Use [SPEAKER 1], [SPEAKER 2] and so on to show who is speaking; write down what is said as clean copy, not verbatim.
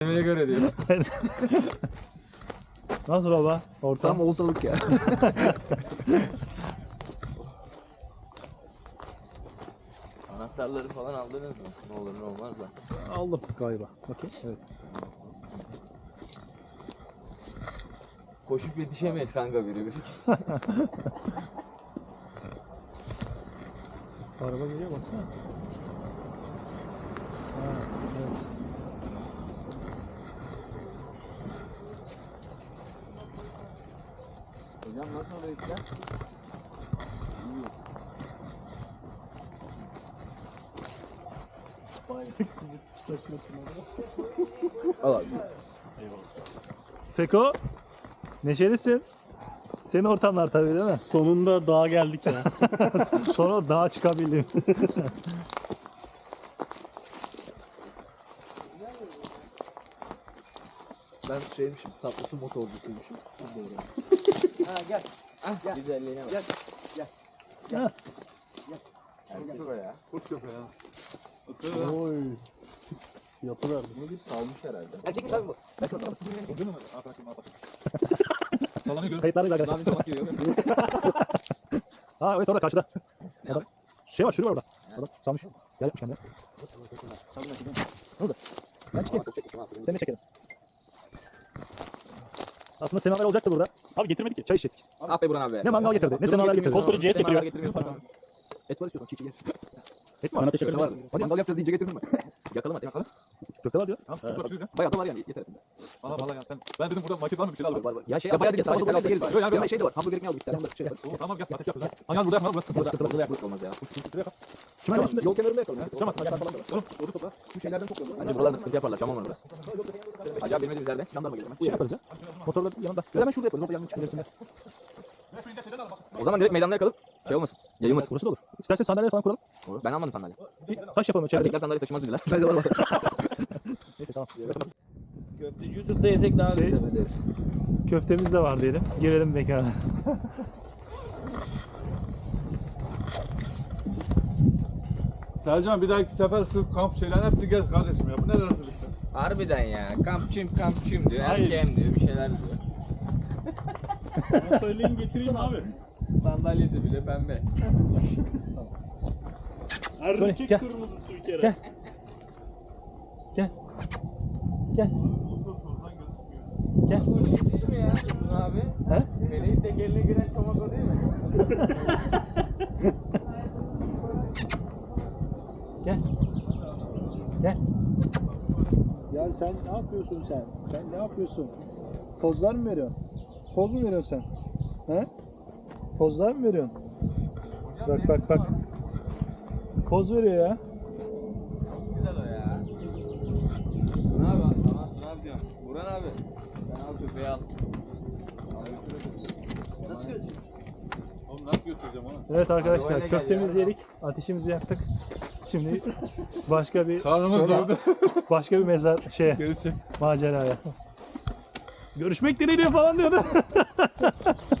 [SPEAKER 1] Yemeğe göre diyor.
[SPEAKER 2] Nasıl baba? Ortam.
[SPEAKER 3] Tam oltalık ya.
[SPEAKER 1] Anahtarları falan aldınız mı? Ne olur ne olmaz da.
[SPEAKER 2] Aldım galiba. Bakayım. Evet.
[SPEAKER 1] Koşup yetişemeyiz kanka biri.
[SPEAKER 2] Araba geliyor baksana. Ha, evet.
[SPEAKER 3] Hocam nasıl oraya gideceğiz? Al abi.
[SPEAKER 2] Seko, neşelisin. Senin ortamlar tabii değil mi?
[SPEAKER 4] Sonunda dağa geldik ya.
[SPEAKER 2] Sonra dağa çıkabildim.
[SPEAKER 3] Ben şeymişim, tatlısı motorcusuymuşum. Ha gel. Ah gel.
[SPEAKER 1] Güzelliğine bak.
[SPEAKER 3] Gel. Gel.
[SPEAKER 2] Ha.
[SPEAKER 1] Köpek ya.
[SPEAKER 3] Kurt köpeği ha.
[SPEAKER 2] Oy. Yapılar.
[SPEAKER 1] Bunu bir salmış herhalde.
[SPEAKER 3] Erkek mi tabii bu? Ben şu an
[SPEAKER 2] Kayıtlardayız arkadaşlar. Ha evet orada karşıda. Adam. Şey var, sürü var orada. Adam salmış. Gel yapmış kendine. Ne oldu? Ben çıkayım. Seni de çekelim. Aslında semaver olacaktı burada.
[SPEAKER 4] Abi getirmedik ki.
[SPEAKER 2] Çay içecektik.
[SPEAKER 1] Ah be Burhan abi.
[SPEAKER 2] Ne mangal getirdi, ne semaver getirdi.
[SPEAKER 4] Koskoca CS getiriyor.
[SPEAKER 3] et var istiyorsan çiğ yersin.
[SPEAKER 2] Et mi var?
[SPEAKER 4] Teşekkür ederim.
[SPEAKER 3] Hadi mangal yapacağız deyince getirdim ben. Yakalım hadi yakalım.
[SPEAKER 2] Köfte var diyor.
[SPEAKER 3] Bayağı da var yani yeter.
[SPEAKER 5] Valla yani sen. Ben dedim burada market var mı bir şeyler al.
[SPEAKER 3] Var. Ya şey bayağı değil. Sabah da yeriz. Ya şey de var. Hamburger ekmeği aldık. Bir tane şey var.
[SPEAKER 5] Tamam gel ateş yapacağız. Hangi burada yapma burası.
[SPEAKER 3] Burada yapmak olmaz ya.
[SPEAKER 2] Şuna yol
[SPEAKER 3] Yol kenarında yakalım.
[SPEAKER 5] Tamam falan da var. Oğlum orada topla.
[SPEAKER 3] Şu şeylerden toplayalım.
[SPEAKER 1] Bence buralarda sıkıntı yaparlar. Şamam orada. Acaba bilmediğimiz yerde.
[SPEAKER 3] Jandarma geliyor.
[SPEAKER 2] şey yaparız ya. Motorla yanında.
[SPEAKER 3] Ya hemen şurada yaparız. Orada yanına çıkabilirsin.
[SPEAKER 1] O zaman direkt meydanda yakalım. Şey olmasın. Yayılmasın.
[SPEAKER 2] Burası da olur. İstersen sandalye falan kuralım.
[SPEAKER 1] Ben almadım sandalye.
[SPEAKER 2] Bir taş yapalım içeride.
[SPEAKER 1] Erkekler sandalye taşımaz dediler.
[SPEAKER 3] Ben de var.
[SPEAKER 2] Neyse tamam.
[SPEAKER 1] Köfteci Yusuf'ta yesek daha
[SPEAKER 2] Şey-
[SPEAKER 1] güzel ederiz.
[SPEAKER 2] Köftemiz de var diyelim. Girelim mekana.
[SPEAKER 5] Sercan bir dahaki sefer şu kamp şeylerin hepsini gez kardeşim ya. Bu ne rezillik ya.
[SPEAKER 1] Harbiden ya. Kampçıyım diyor.
[SPEAKER 4] Hayır.
[SPEAKER 1] Erkeğim diyor. Bir şeyler diyor.
[SPEAKER 4] Bana söyleyin getireyim abi.
[SPEAKER 1] Sandalyesi bile pembe.
[SPEAKER 4] Erkek
[SPEAKER 2] gel.
[SPEAKER 4] kırmızısı bir kere.
[SPEAKER 2] Gel. Gel. Gel. Gel.
[SPEAKER 1] O şey değil mi ya Burhan abi?
[SPEAKER 2] He?
[SPEAKER 1] Meleğin tekerine giren çomak o değil mi?
[SPEAKER 2] Gel. Gel. Ya sen ne yapıyorsun sen? Sen ne yapıyorsun? Pozlar mı veriyorsun? Poz mu veriyorsun sen? He? Pozlar mı veriyorsun? Bak bak bak. Poz veriyor ya.
[SPEAKER 1] Güzel o ya. Burhan abi tamam ne yapacağım? Burhan abi. Ben al köpeği al. Nasıl götürüyorsun?
[SPEAKER 5] Oğlum nasıl götüreceğim onu?
[SPEAKER 2] Evet arkadaşlar
[SPEAKER 1] Arabayla gel
[SPEAKER 2] köftemizi
[SPEAKER 1] ya.
[SPEAKER 2] yedik. Ateşimizi yaktık. Şimdi başka bir
[SPEAKER 5] Karnımız doydu.
[SPEAKER 2] başka bir mezar şeye
[SPEAKER 5] Geri çek.
[SPEAKER 2] maceraya. Görüşmek dileğiyle falan diyordu.